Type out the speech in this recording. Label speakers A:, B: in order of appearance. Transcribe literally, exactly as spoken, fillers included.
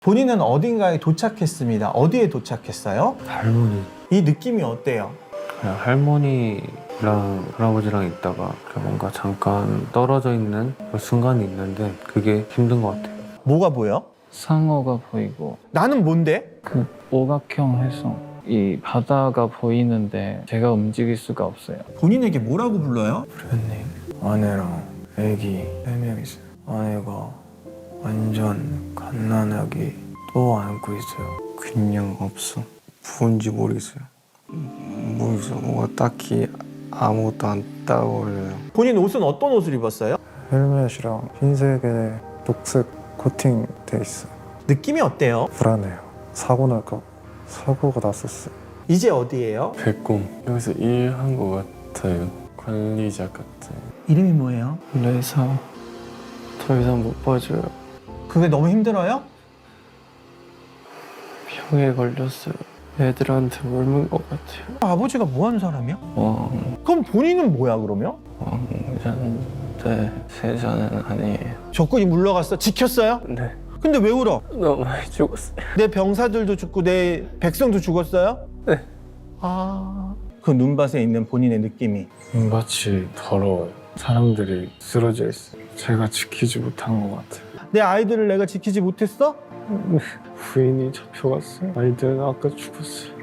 A: 본인은 어딘가에 도착했습니다. 어디에 도착했어요?
B: 할머니.
A: 이 느낌이 어때요?
B: 그냥 할머니랑 할아버지랑 있다가 뭔가 잠깐 떨어져 있는 그런 순간이 있는데 그게 힘든 것 같아요.
A: 뭐가 보여?
C: 상어가 보이고
A: 나는 뭔데?
C: 그 오각형 해성 이 바다가 보이는데 제가 움직일 수가 없어요.
A: 본인에게 뭐라고 불러요?
B: 부모님, 아내랑 애기 세 명 있어요. 아내가 완전 갓난아기 또 안고 있어요. 그냥 없어. 뭔지 모르겠어요. 모르겠어요. 뭔가 딱히 아무것도 안 따오르요.
A: 본인 옷은 어떤 옷을 입었어요?
D: 헬멧이랑 흰색에 녹색 코팅돼 있어.
A: 느낌이 어때요?
D: 불안해요. 사고 날까 봐. 사고가 났었어요.
A: 이제 어디예요?
B: 백곰. 여기서 일한 것 같아요. 관리자 같아요.
A: 이름이 뭐예요?
B: 레사. 더 이상 못 봐줘요.
A: 그게 너무 힘들어요?
B: 병에 걸렸어요. 애들한테 물문 것 같아요.
A: 아버지가 뭐 하는 사람이야?
B: 왕,
A: 그럼 본인은 뭐야 그러면?
B: 왕자인데 세자는 아니에요.
A: 적군이 물러갔어? 지켰어요?
B: 네.
A: 근데 왜 울어?
B: 너무 많이 죽었어요.
A: 내 병사들도 죽고 내 백성도 죽었어요?
B: 네.
A: 아... 그 눈밭에 있는 본인의 느낌이
B: 눈밭이 더러워요. 사람들이 쓰러져 있어요. 제가 지키지 못한 것 같아요.
A: 내 아이들을 내가 지키지 못했어?
B: 부인이 잡혀갔어요. 아이들은 아까 죽었어요.